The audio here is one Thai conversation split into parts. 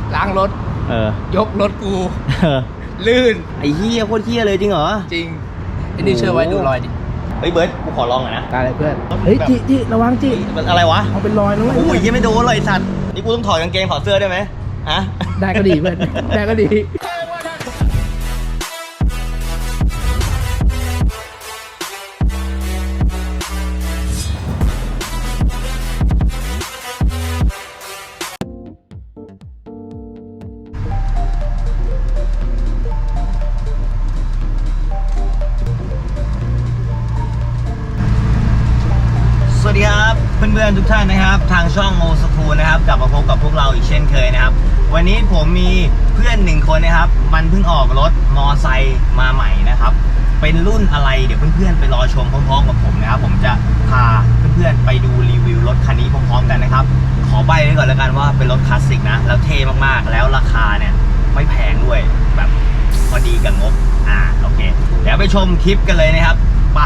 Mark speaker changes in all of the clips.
Speaker 1: ล้างรถยกรถกูลื่น
Speaker 2: ไอ้เหี้ยโคตรเหี้ยเลยจริงเหรอ
Speaker 1: จริงไอ้นี่เชื่อไว้ดูรอยดิ
Speaker 2: เฮ้ยเบิร์ดกูขอลองหน่อยนะ
Speaker 1: ตายเลยเพื่อนเฮ้ยจิระวังจิ
Speaker 2: มันอะไรวะ
Speaker 1: เอาเป็นรอยนะเว้ย
Speaker 2: โอ้ยยังไม่โดนเลยสัตว์นี่กูต้องถอดกางเกงถอดเสื้อได้ไหมฮะ
Speaker 1: ได้ก็ดีเพื่อนได้ก็ดี
Speaker 2: สวัสดีครับเพื่อนๆทุกท่านนะครับทางช่องโมสคูนะครับกลับมาพบกับพวกเราอีกเช่นเคยนะครับวันนี้ผมมีเพื่อนหนึ่งคนนะครับมันเพิ่งออกรถมอไซค์มาใหม่นะครับเป็นรุ่นอะไรเดี๋ยวเพื่อนๆไปรอชมพร้อมๆกับผมนะครับผมจะพาเพื่อนๆไปดูรีวิวรถคันนี้พร้อมๆกันนะครับขอใบ้ไว้ก่อนแล้วกันว่าเป็นรถคลาสสิกนะแล้วเท่มากๆแล้วราคาเนี่ยไม่แพงด้วยแบบพอดีกับงบโอเคเดี๋ยวไปชมคลิปกันเลยนะครับไป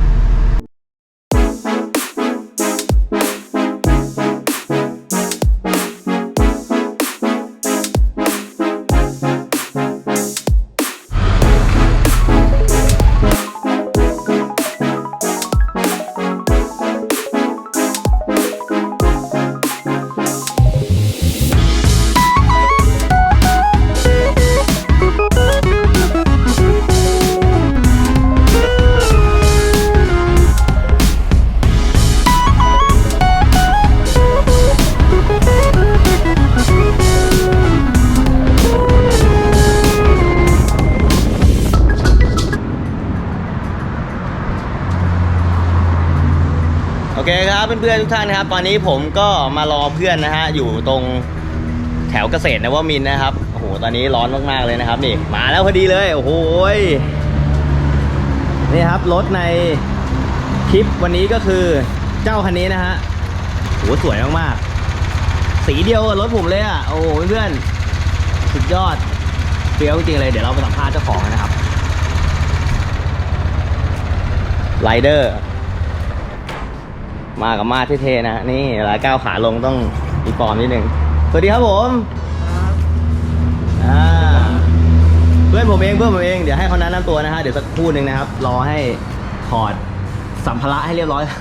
Speaker 2: โอเคครับเพื่อนๆทุกท่านนะครับตอนนี้ผมก็มารอเพื่อนนะฮะอยู่ตรงแถวเกษตรนวมินทร์นะครับโอ้โหตอนนี้ร้อนมากๆเลยนะครับนี่มาแล้วพอดีเลยโอ้โหนี่ครับรถในคลิปวันนี้ก็คือเจ้าคันนี้นะฮะโหสวยมากๆสีเดียวกับรถผมเลยอ่ะโอ้โหเพื่อนๆสุดยอดเฟี้ยวจริงๆเลยเดี๋ยวเราไปสัมภาษณ์เจ้าของนะครับไรเดอร์มากับมาเท่ๆนะนี่เวลาก้าวขาลงต้องมีฟอร์มนิดนึงสวัสดีครับผมเพื่อนผมเองเดี๋ยวให้เขาแนะนำตัวนะฮะเดี๋ยวสักครู่หนึ่งนะครับรอให้ถอดสัมภาระให้เรียบร้อย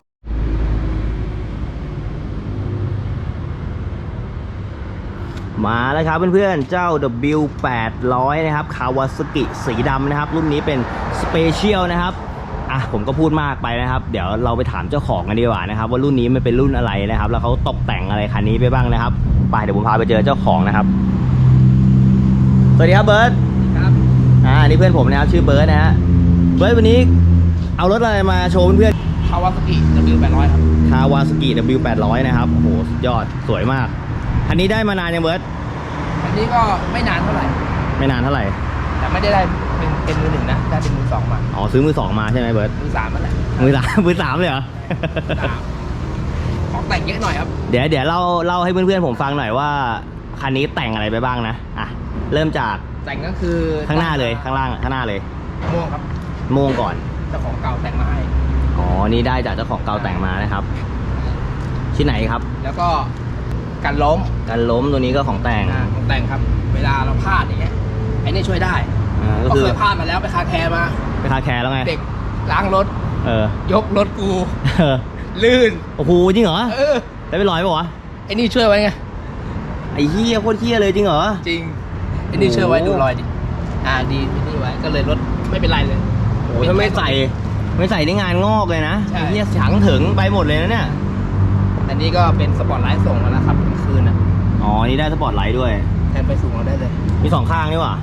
Speaker 2: มาแล้วครับเพื่อนๆเจ้า W800 นะครับคาวาซากิสีดำนะครับรุ่นนี้เป็นสเปเชียลนะครับผมก็พูดมากไปนะครับเดี๋ยวเราไปถามเจ้าของกันดีกว่านะครับว่ารุ่นนี้มันเป็นรุ่นอะไรนะครับแล้วเขาตกแต่งอะไรคันนี้ไปบ้างนะครับไปเดี๋ยวผมพาไปเจอเจ้าของนะครับสวัสดีครับเบิร์ต
Speaker 1: ครับ
Speaker 2: นี่เพื่อนผมนะครับชื่อเบิร์ตนะฮะเบิร์ตวันนี้เอารถอะไรมาโชว์เพื่อน
Speaker 1: คาวาซากิ W800 ครับ
Speaker 2: คาวาซากิ W800 นะครับโอ้โหยอดสวยมากคันนี้ได้มานานยังเบิร์ต
Speaker 1: อันนี้ก็ไม่นานเท่าไหร่แต่ไม่ได้เป็นมือหนึ่งนะได้เป็นมือสองมา
Speaker 2: ซื้อมือสองมาใช่ไหมเบิร์ต
Speaker 1: มือสามนั่นแหละ
Speaker 2: มือสามเลยเหรอ
Speaker 1: ของแต่งเยอะหน่อยครับ
Speaker 2: เดี๋ยวเล่าให้เพื่อนๆผมฟังหน่อยว่าคันนี้แต่งอะไรไปบ้างนะเริ่มจาก
Speaker 1: แต่งก็คือ
Speaker 2: ข้างหน้าเลยข้างล่างข้างหน้าเลย
Speaker 1: ม่วงครับ
Speaker 2: ม่วงก่อน
Speaker 1: เจ้าของเก่าแต่งมาให้
Speaker 2: นี่ได้จากเจ้าของเก่าแต่งมานะครับที่ไหนครับ
Speaker 1: แล้วก็กันล้ม
Speaker 2: ตัวนี้ก็ของแต่ง
Speaker 1: ครับเวลาเราพลาดอย่างเงี้ยไอ้นี่ช่วยได้ก็เคยพลาดมาแล้วไปคาแคร์
Speaker 2: แล้วไง
Speaker 1: เด็กล้างรถยกรถกูลื่น
Speaker 2: โอ้โหจริงเหรอได้ไปลอยป่ะวะ
Speaker 1: ไอ้นี่ช่วยไว้ไง
Speaker 2: ไอ้เหี้ยโคตรเหี้ยเลยจริงเหรอ
Speaker 1: จริงไอ้นี่ช่วยไว้ดูรอยดิดีไอ้นี่ไว้ก็เลยรถไม่เป็นไรเลย
Speaker 2: โอ้ถ้าไม่ใส่ได้งานงอกเลยนะไอ้เหี้ยฉังถึงไปหมดเลยนะเนี่ย
Speaker 1: อันนี้ก็เป็นสปอร์ตไลท์ส่งแล้วนะครับกลางคืน
Speaker 2: นี่ได้สปอร์ตไลท์ด้วย
Speaker 1: แทนไปสูงเราได้เลย
Speaker 2: มีสองข้างนี่ว่ะ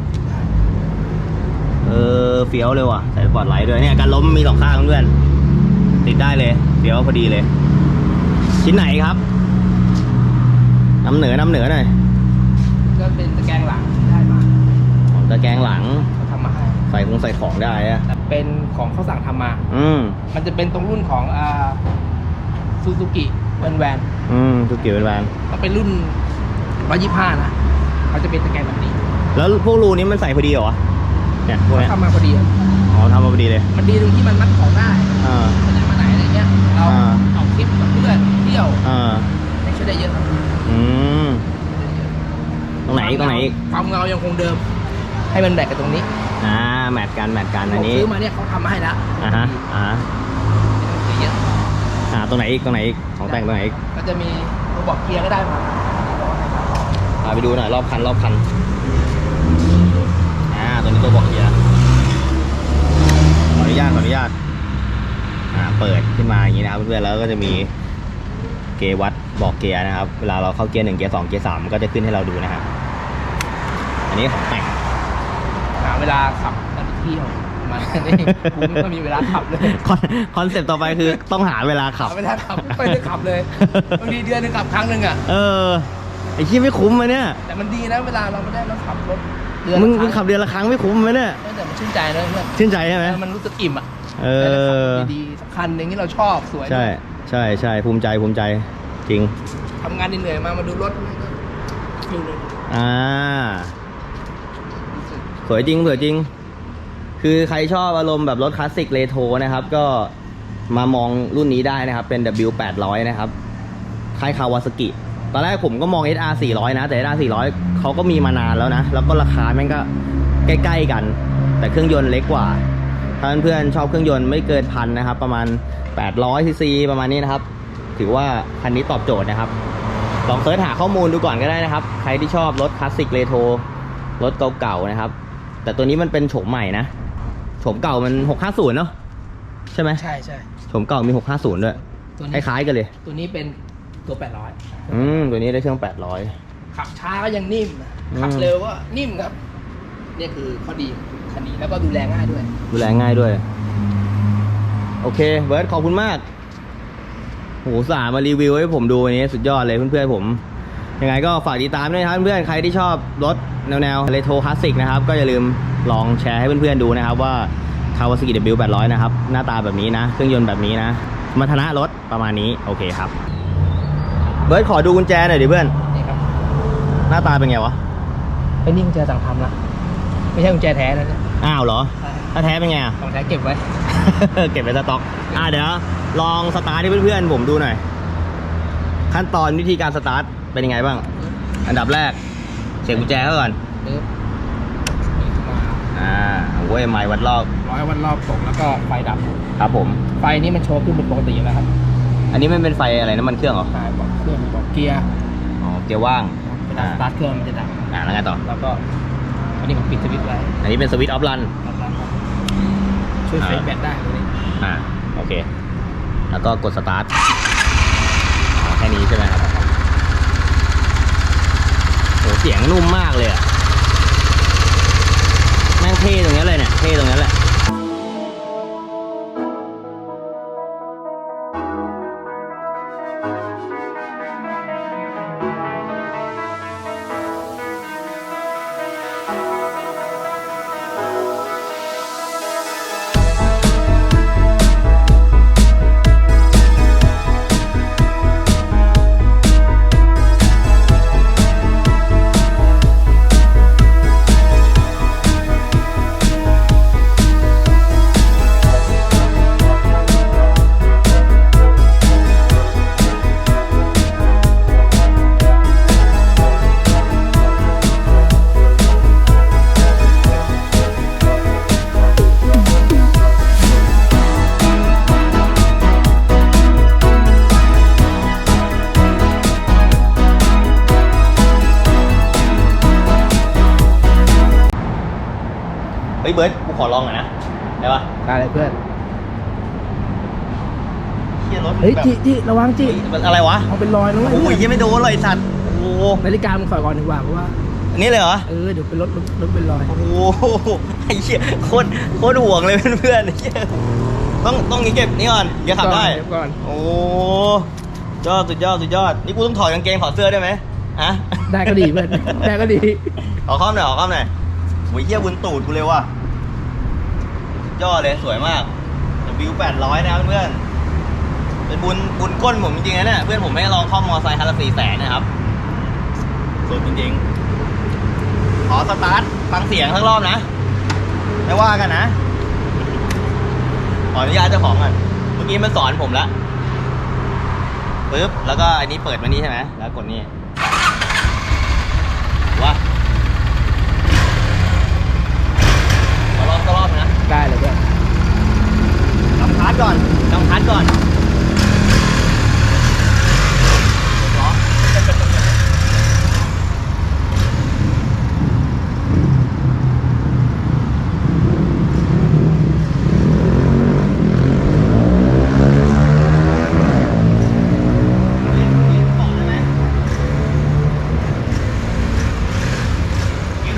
Speaker 2: เฟี้ยวเลยว่ะใส่สปอร์ตไลท์ด้วยเนี่ยการล้มมีสองข้างเพื่อนติดได้เลยเฟี้ยวพอดีเลยชิ้นไหนครับนำเหนือหน่อย
Speaker 1: ก็เป็นตะแกรงหลังได้มา
Speaker 2: ตะแกรงหลัง
Speaker 1: ทำมาให้
Speaker 2: ใส่ของได้อะ
Speaker 1: เป็นของเขาสั่งทำมามันจะเป็นตรงรุ่นของซูซูกิแวน
Speaker 2: ซูซูกิแวน
Speaker 1: ต้องเป็นรุ่น125นะเขาจะเป็นตะแกรงแบบนี้
Speaker 2: แล้วพวกรูนี้มันใส่พอดีเหรอเนี่ยพวกนี้
Speaker 1: ทำมาพอดี
Speaker 2: ทำมาพอดีเลย
Speaker 1: มันดีตรงที่มันมัดของได้มันจะมาไหนอะไรเงี้ยเราออกทริปกับเพื่อนเที่ยวไม่ช่วยได้เยอะครับ
Speaker 2: ตรงไหนอีก
Speaker 1: ความเงายังคงเดิม ให้มันแบกกับตรงนี้
Speaker 2: แมทกันอันนี้
Speaker 1: ผมซื้อมาเนี่ยเขาทำมาให้แล้ว
Speaker 2: อ่าฮะ
Speaker 1: ไม่ต้องซื้อเยอะ
Speaker 2: ตรงไหนอีกของแต่งตรงไหนอีก
Speaker 1: ก็จะมีตัวบอกเกียร์ก็ได้มา
Speaker 2: ไปดูหน่อยรอบคันตัวนี้ตัวบอกเกียร์ขออนุญาตเปิดขึ้นมาอย่างนี้นะครับเพื่อนๆแล้วก็จะมีเกียร์วัดบอกเกียร์นะครับเวลาเราเข้าเกียร์1เกียร์2เกียร์3ก็จะขึ้นให้เราดูนะครับอันนี้ของแต่ง
Speaker 1: หาเวลาขับกันเที่ยวมานี่กูไม่ค่อยมีเวลาขับเลย
Speaker 2: คอนเซ็ปต์ต่อไปคือต้องหาเวลาขับ
Speaker 1: หาเวลาขับไม่ค่อยได้ขับเลยบางทีเดือนหนึงขับครั้งหนึ่งอ่ะ
Speaker 2: ไอ้ที่ไม่คุ้มเลยเนี่ย
Speaker 1: แต่มันดีนะเวลาเราไม่ได้เราขับรถเดือน
Speaker 2: มึง
Speaker 1: ละครั้ง
Speaker 2: ขับเดือนละครั้งไม่คุ้มไหมเนี่ย
Speaker 1: แต่มันชื่นใจนะเพื่อน
Speaker 2: ชื่นใจใช่ไหม
Speaker 1: มันรู้สึกอิ่มอ่ะ
Speaker 2: อ
Speaker 1: ดีๆสักคันหนึ่งที่เราชอบสวย
Speaker 2: ใช่ภูมิใจจริง
Speaker 1: ทำงานเหนื่อยๆมาดูรถมันก็ฟิลเลย
Speaker 2: สวยจริงคือใครชอบอารมณ์แบบรถคลาสสิกเรโทรนะครับก็มามองรุ่นนี้ได้นะครับเป็น W800 นะครับค่ายคาวาซากิตอนแรกผมก็มอง SR 400นะแต่ SR 400เขาก็มีมานานแล้วนะแล้วก็ราคาแม่งก็ใกล้ๆกันแต่เครื่องยนต์เล็กกว่าถ้าเพื่อนๆชอบเครื่องยนต์ไม่เกินพันนะครับประมาณ800 cc ประมาณนี้นะครับถือว่าคันนี้ตอบโจทย์นะครับลองเสิร์ชหาข้อมูลดูก่อนก็ได้นะครับใครที่ชอบรถคลาสสิกเรโทรรถเก่าๆนะครับแต่ตัวนี้มันเป็นโฉมใหม่นะโฉมเก่ามัน650เนาะใช่ไหมใช่โฉมเก่ามี650ด้วยคล้ายๆกันเลย
Speaker 1: ตัวนี้เป็นตัว800
Speaker 2: ตัวนี้ได้เครื่อง800
Speaker 1: ขับช้าก็ยังนิ่มขับเร็วก็นิ่มครับนี่คือข้อดีคันนี้แล้วก็ดูแลง่ายด้วยโอเคเบิร์ดขอบคุณมากโหสามารีวิวให้ผมดูวันนี้สุดยอดเลยเพื่อนๆผมยังไงก็ฝากติดตามด้วยนะครับเพื่อนใครที่ชอบรถแนวเรโทรคลาสสิกนะครับก็อย่าลืมลองแชร์ให้เพื่อนๆดูนะครับว่า Kawasaki W800 นะครับหน้าตาแบบนี้นะเครื่องยนต์แบบนี้นะสมรรถนะรถประมาณนี้โอเคครับเบิร์ดขอดูกุญแจหน่อยดิเพื่อนนี่ครับ
Speaker 2: หน้าตาเป็นไงวะ
Speaker 1: ไอ้นี่กุญแจสั่งทำนะไม่ใช่กุญแจแท้นะเนี่ย
Speaker 2: อ้าวเหรอถ้าแท้เป็นไง
Speaker 1: ของแท้เก็บไว้
Speaker 2: เก็บไว้สต็อกเดี๋ยวลองสตาร์ทให้เพื่อนๆผมดูหน่อยขั้นตอนวิธีการสตาร์ทเป็นยังไงบ้างอันดับแรกเสียบกุญแจเข้าก่อนเว้ยไม้วัดรอบ
Speaker 1: 100 วัดรอบตกแล้วก็ไฟดับ
Speaker 2: ครับผม
Speaker 1: ไฟนี้มันโชว์ขึ้นเป็นปกติแล้วครับ
Speaker 2: อันนี้มันเป็นไฟอะไรน้ำมันเครื่องเหรอ
Speaker 1: ใช่บอกเครื่องบอกเกียร์
Speaker 2: เกียร์ว่าง
Speaker 1: เวลาสตาร์ทเครื่องมันจะดับ
Speaker 2: แล้วไงต่อ
Speaker 1: แล้วก็อันนี้ผมปิดสวิตช์ไว้
Speaker 2: อันนี้เป็นสวิตช์ออฟรัน
Speaker 1: ช่วยเซฟแบตได้ตรงนี้
Speaker 2: โอเคแล้วก็กดสตาร์ทแค่นี้ใช่ไหมครับโหเสียงนุ่มมากเลยอะแม่งเท่ตรงนี้เลยเนี่ยเท่ตรงนี้แหละเบิร์ดกูขอลองหน่อยนะได้ปะ
Speaker 1: ได้เลยเพื่อน
Speaker 2: เฮียรถ
Speaker 1: เฮ้ยจีระวังจี
Speaker 2: อะไรวะ
Speaker 1: เอาเป็นรอยนะ
Speaker 2: โอ้ยยังไม่โดนเลยสัตว์โอ้
Speaker 1: นาฬิกามึงใส่ก่อนดีกว่าเพราะว่า
Speaker 2: อันนี้เลยเหรอ
Speaker 1: เดี๋ยวเป็นรถเป็นรอย
Speaker 2: โอ้โหไอ้เหี้ยโคตรห่วงเลยเพื่อนๆต้องนี้เก็บนี่ก่อนเดี๋ยวขับได้
Speaker 1: ก่อน
Speaker 2: โอ้สุดยอดนี่กูต้องถอดกางเกงถอดเสื้อได้ไหม
Speaker 1: ได้ก็ดีเพื่อนได้ก็ดี
Speaker 2: ขอข้อมหน่อยโอ้ยเหี้ยบุญตูดกูเลยว่ะยอดเลยสวยมากW800นะครับเพื่อนเป็นบุญก้นผมจริงๆนะเนี่ยเพื่อนผมไม่ลองข้อมอไซค์คันละ400,000นะครับสุดจริงๆขอสตาร์ทฟังเสียงทั้งรอบนะไม่ว่ากันนะขออนุญาตเจ้าของก่อนเมื่อกี้มันสอนผมแล้วปึ๊บแล้วก็อันนี้เปิดมานี้ใช่ไหมแล้วกดนี่ว่า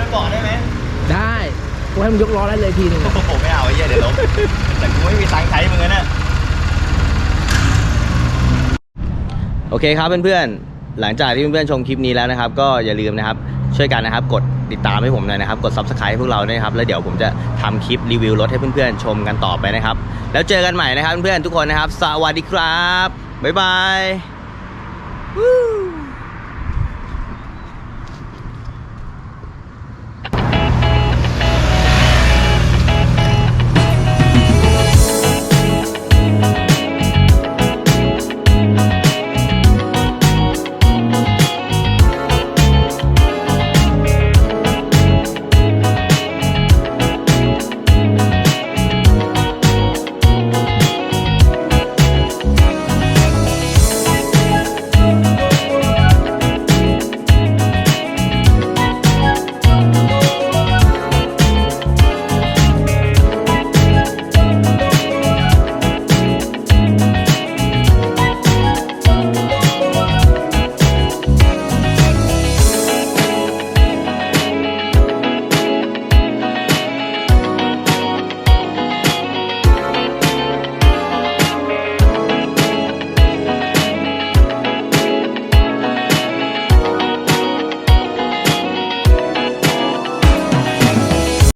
Speaker 2: เกาะได้ไหม
Speaker 1: ได้กูให้มึงยกล้อได้เลยทีนึง
Speaker 2: โอ้โหไม่เอาไอ้เหี้ยเดี๋ยวล้มแต่กูไม่มีตังค์ใช้มึงนะ
Speaker 1: โอเคครับเพื่อนๆหลังจากที่เพื่อนๆชมคลิปนี้แล้วนะครับ ก็อย่าลืมนะครับช่วยกันนะครับกดติดตามให้ผมหน่อยนะครับกด Subscribe ให้พวกเราด้วยนะครับแล้วเดี๋ยวผมจะทำคลิปรีวิวรถให้เพื่อนๆชมกันต่อไปนะครับแล้วเจอกันใหม่นะครับเพื่อนๆทุกคนนะครับสวัสดีครับบ๊ายบาย